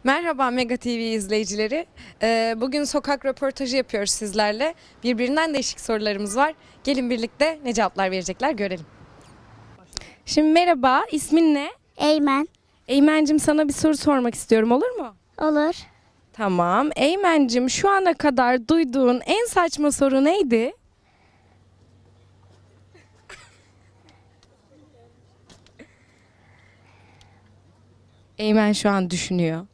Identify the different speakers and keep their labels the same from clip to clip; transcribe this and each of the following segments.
Speaker 1: Merhaba Mega TV izleyicileri. Bugün sokak röportajı yapıyoruz sizlerle. Birbirinden değişik sorularımız var. Gelin birlikte ne cevaplar verecekler görelim. Şimdi merhaba, ismin ne?
Speaker 2: Eymen.
Speaker 1: Eymen'cim sana bir soru sormak istiyorum, olur mu?
Speaker 2: Olur.
Speaker 1: Tamam. Eymen'cim şu ana kadar duyduğun en saçma soru neydi? Eymen şu an düşünüyor.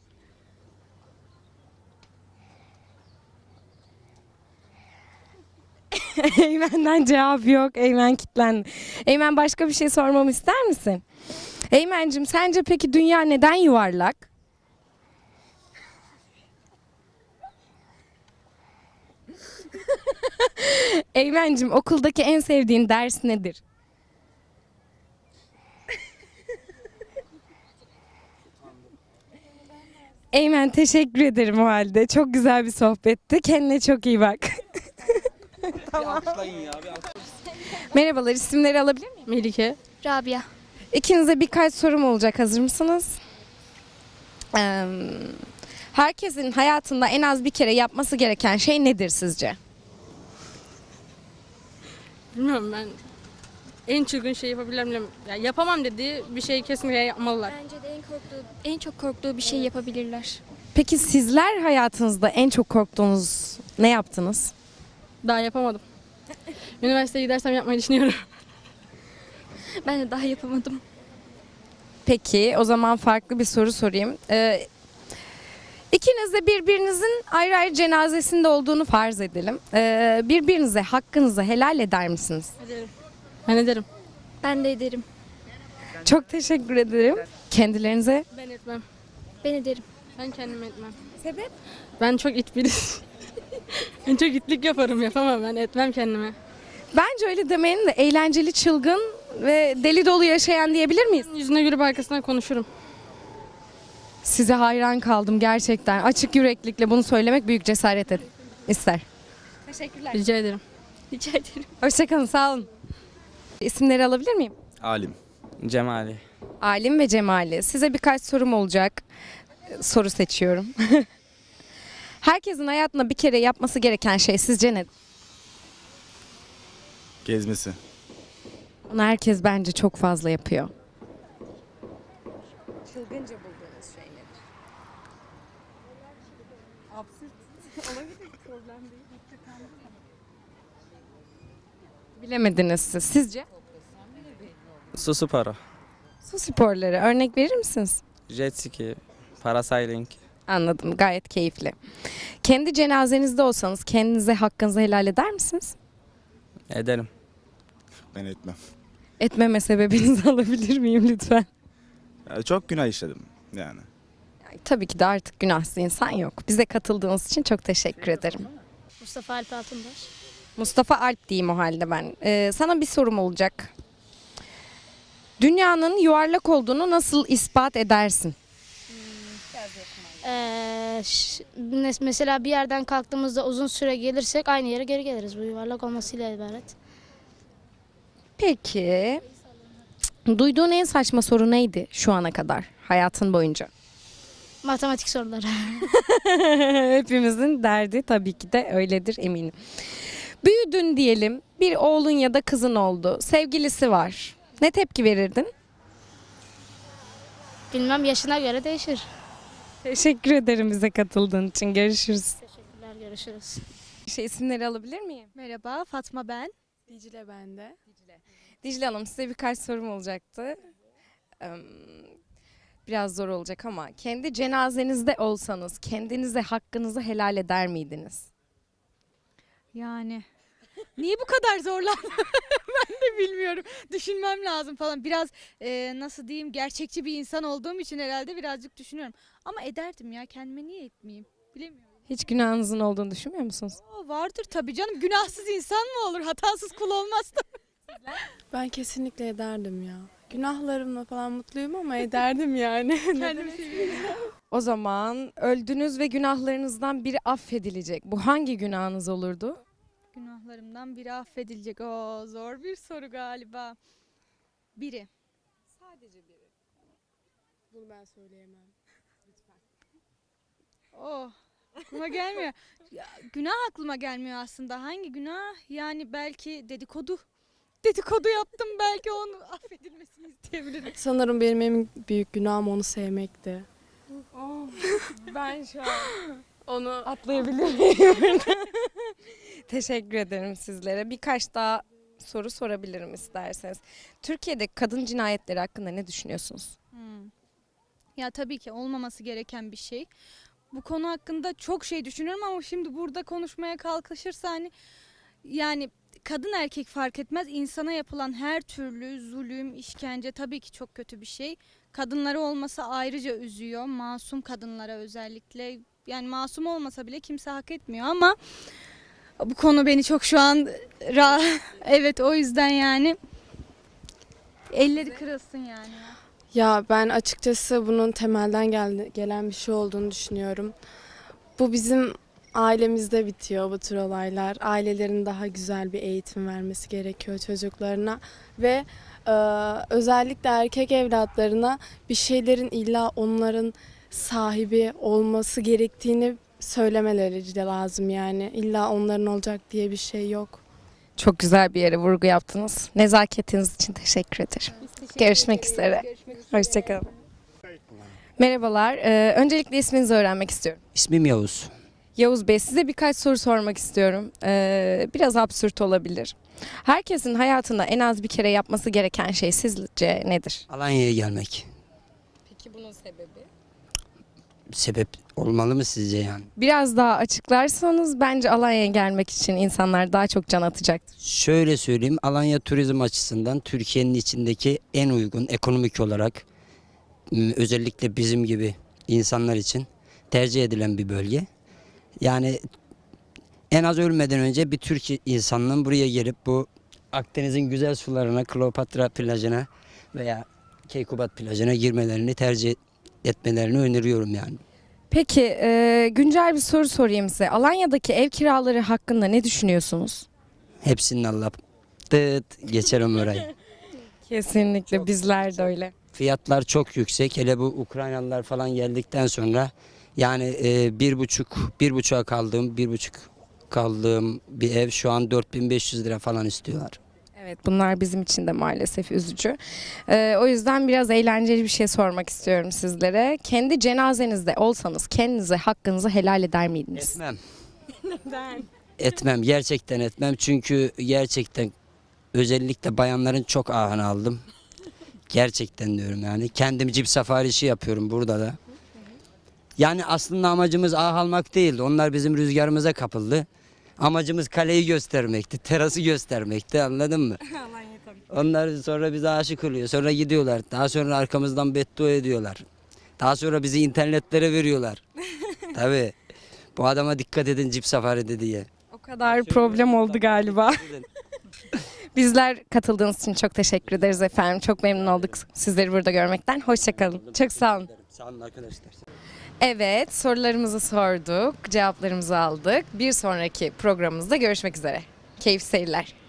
Speaker 1: Eymen'den cevap yok. Eymen kilitlendi. Eymen başka bir şey sormamı ister misin? Eymen'cim sence peki dünya neden yuvarlak? Eymen'cim okuldaki en sevdiğin ders nedir? Eymen teşekkür ederim o halde. Çok güzel bir sohbetti. Kendine çok iyi bak. Merhabalar, isimleri alabilir miyim?
Speaker 3: Melike.
Speaker 2: Rabia.
Speaker 1: İkinize birkaç sorum olacak. Hazır mısınız? Herkesin hayatında en az bir kere yapması gereken şey nedir sizce?
Speaker 3: Bilmiyorum ben en çılgın şey yapabilirim. Ya yapamam dediği bir şeyi kesinlikle yapmalılar.
Speaker 2: Bence de en çok korktuğu bir şey yapabilirler.
Speaker 1: Peki sizler hayatınızda en çok korktuğunuz ne yaptınız?
Speaker 3: Daha yapamadım. Üniversiteye gidersem yapmayı düşünüyorum.
Speaker 2: Ben de daha yapamadım.
Speaker 1: Peki o zaman farklı bir soru sorayım. İkiniz de birbirinizin ayrı ayrı cenazesinde olduğunu farz edelim. Birbirinize hakkınızı helal eder misiniz?
Speaker 3: Ederim. Ben ederim.
Speaker 2: Ben de ederim.
Speaker 1: Çok teşekkür ederim. Kendilerinize.
Speaker 3: Ben etmem.
Speaker 2: Ben ederim.
Speaker 3: Ben kendim etmem.
Speaker 1: Sebep?
Speaker 3: Ben çok it birisi. Ben çok itlik yaparım, yapamam, ben etmem kendime.
Speaker 1: Bence öyle demeyin de eğlenceli, çılgın ve deli dolu yaşayan diyebilir miyiz?
Speaker 3: Yüzüne gülüp arkasından konuşurum.
Speaker 1: Size hayran kaldım gerçekten. Açık yüreklikle bunu söylemek büyük cesaret ister. Teşekkürler.
Speaker 3: Rica ederim.
Speaker 2: Rica ederim.
Speaker 1: Hoşçakalın, sağ olun. İsimleri alabilir miyim?
Speaker 4: Alim. Cemali.
Speaker 1: Alim ve Cemali. Size birkaç sorum olacak. Soru seçiyorum. Herkesin hayatında bir kere yapması gereken şey sizce ne?
Speaker 4: Gezmesi.
Speaker 1: Bunu herkes bence çok fazla yapıyor. Çılgınca bulduğunuz şey nedir? Absürt. Olabilir, problem değil. Bilemediniz siz. Sizce?
Speaker 4: Su para.
Speaker 1: Su sporları. Örnek verir misiniz?
Speaker 4: Jet ski. Parasailing.
Speaker 1: Anladım. Gayet keyifli. Kendi cenazenizde olsanız kendinize hakkınızı helal eder misiniz?
Speaker 4: Ederim.
Speaker 5: Ben etmem.
Speaker 1: Etmeme sebebinizi alabilir miyim lütfen?
Speaker 5: Ya çok günah işledim yani.
Speaker 1: Yani tabii ki de artık günahsız insan yok. Bize katıldığınız için çok teşekkür ederim.
Speaker 2: Mustafa Alp Altınbaş.
Speaker 1: Mustafa Alp diyeyim o halde ben. Sana bir sorum olacak. Dünyanın yuvarlak olduğunu nasıl ispat edersin?
Speaker 6: Mesela bir yerden kalktığımızda uzun süre gelirsek aynı yere geri geliriz. Bu yuvarlak olmasıyla ibaret.
Speaker 1: Peki. Duyduğun en saçma soru neydi şu ana kadar hayatın boyunca?
Speaker 6: Matematik soruları.
Speaker 1: Hepimizin derdi tabii ki de öyledir eminim. Büyüdün diyelim, bir oğlun ya da kızın oldu, sevgilisi var. Ne tepki verirdin?
Speaker 6: Bilmem, yaşına göre değişir.
Speaker 1: Teşekkür ederim bize katıldığın için. Görüşürüz.
Speaker 6: Teşekkürler, görüşürüz.
Speaker 1: İsimleri alabilir miyim?
Speaker 7: Merhaba, Fatma ben.
Speaker 3: Dicle bende.
Speaker 1: Dicle Hanım, size birkaç sorum olacaktı. Biraz zor olacak ama kendi cenazenizde olsanız kendinize hakkınızı helal eder miydiniz?
Speaker 7: Yani niye bu kadar zorlandın? Ben de bilmiyorum. Düşünmem lazım falan. Biraz nasıl diyeyim, gerçekçi bir insan olduğum için herhalde birazcık düşünüyorum. Ama ederdim ya, kendime niye etmeyeyim? Bilemiyorum.
Speaker 1: Hiç günahınızın olduğunu düşünmüyor musunuz?
Speaker 7: Vardır tabii canım. Günahsız insan mı olur? Hatasız kul olmaz da.
Speaker 8: Ben kesinlikle ederdim ya. Günahlarımla falan mutluyum ama ederdim yani.
Speaker 7: Kendimi seviyorum.
Speaker 1: O zaman öldünüz ve günahlarınızdan biri affedilecek. Bu hangi günahınız olurdu?
Speaker 7: Günahlarımdan biri affedilecek. Oo, zor bir soru galiba. Biri.
Speaker 8: Bunu ben söyleyemem.
Speaker 7: aklıma gelmiyor. Ya, günah aklıma gelmiyor aslında. Hangi günah? Yani belki dedikodu. Dedikodu yaptım, belki onu affedilmesini isteyebilirim.
Speaker 8: Sanırım benim en büyük günahım onu sevmekti.
Speaker 1: Ben şu an
Speaker 8: Onu
Speaker 1: atlayabilir miyim? Teşekkür ederim sizlere. Birkaç daha soru sorabilirim isterseniz. Türkiye'de kadın cinayetleri hakkında ne düşünüyorsunuz?
Speaker 7: Ya tabii ki olmaması gereken bir şey. Bu konu hakkında çok şey düşünüyorum ama şimdi burada konuşmaya kalkışırsa yani kadın erkek fark etmez, insana yapılan her türlü zulüm, işkence tabii ki çok kötü bir şey. Kadınlara olması ayrıca üzüyor. Masum kadınlara özellikle. Yani masum olmasa bile kimse hak etmiyor ama bu konu beni çok şu an evet, o yüzden yani elleri kırılsın yani.
Speaker 8: Ya ben açıkçası bunun temelden gelen bir şey olduğunu düşünüyorum. Bu bizim ailemizde bitiyor bu tür olaylar. Ailelerin daha güzel bir eğitim vermesi gerekiyor çocuklarına ve özellikle erkek evlatlarına bir şeylerin illa onların sahibi olması gerektiğini söylemeleri de lazım yani. İlla onların olacak diye bir şey yok.
Speaker 1: Çok güzel bir yere vurgu yaptınız. Nezaketiniz için teşekkür ederim. Görüşmek üzere. Hoşçakalın. Merhabalar. Öncelikle isminizi öğrenmek istiyorum.
Speaker 9: İsmim Yavuz.
Speaker 1: Yavuz Bey, size birkaç soru sormak istiyorum. Biraz absürt olabilir. Herkesin hayatında en az bir kere yapması gereken şey sizce nedir?
Speaker 9: Alanya'ya gelmek.
Speaker 1: Peki bunun sebebi?
Speaker 9: Sebep olmalı mı sizce yani?
Speaker 1: Biraz daha açıklarsanız bence Alanya'ya gelmek için insanlar daha çok can atacaktır.
Speaker 9: Şöyle söyleyeyim, Alanya turizm açısından Türkiye'nin içindeki en uygun ekonomik olarak özellikle bizim gibi insanlar için tercih edilen bir bölge. Yani en az ölmeden önce bir Türk insanının buraya gelip bu Akdeniz'in güzel sularına, Kleopatra plajına veya Keykubat plajına girmelerini tercih etmelerini öneriyorum yani.
Speaker 1: Peki güncel bir soru sorayım size. Alanya'daki ev kiraları hakkında ne düşünüyorsunuz?
Speaker 9: Hepsinin Allah geçerim orayı.
Speaker 1: Kesinlikle bizler de öyle.
Speaker 9: Fiyatlar çok yüksek. Hele bu Ukraynalılar falan geldikten sonra yani bir buçuğa kaldığım bir ev şu an 4500 lira falan istiyorlar.
Speaker 1: Evet, bunlar bizim için de maalesef üzücü. O yüzden biraz eğlenceli bir şey sormak istiyorum sizlere. Kendi cenazenizde olsanız kendinize hakkınızı helal eder miydiniz?
Speaker 9: Etmem. Neden? Etmem. Gerçekten etmem. Çünkü gerçekten özellikle bayanların çok ahını aldım. Gerçekten diyorum yani. Kendim cip safarişi yapıyorum burada da. Yani aslında amacımız ah almak değildi. Onlar bizim rüzgarımıza kapıldı. Amacımız kaleyi göstermekti, terası göstermekti, anladın mı? Onlar sonra bize aşık oluyor. Sonra gidiyorlar. Daha sonra arkamızdan beddua ediyorlar. Daha sonra bizi internetlere veriyorlar. Tabii. Bu adama dikkat edin cip safaride diye.
Speaker 1: O kadar problem oldu galiba. Bizler katıldığınız için çok teşekkür ederiz efendim. Çok memnun olduk sizleri burada görmekten. Hoşçakalın. Çok sağ olun.
Speaker 9: Sağ olun arkadaşlar.
Speaker 1: Evet, sorularımızı sorduk, cevaplarımızı aldık. Bir sonraki programımızda görüşmek üzere. Keyifli seyirler.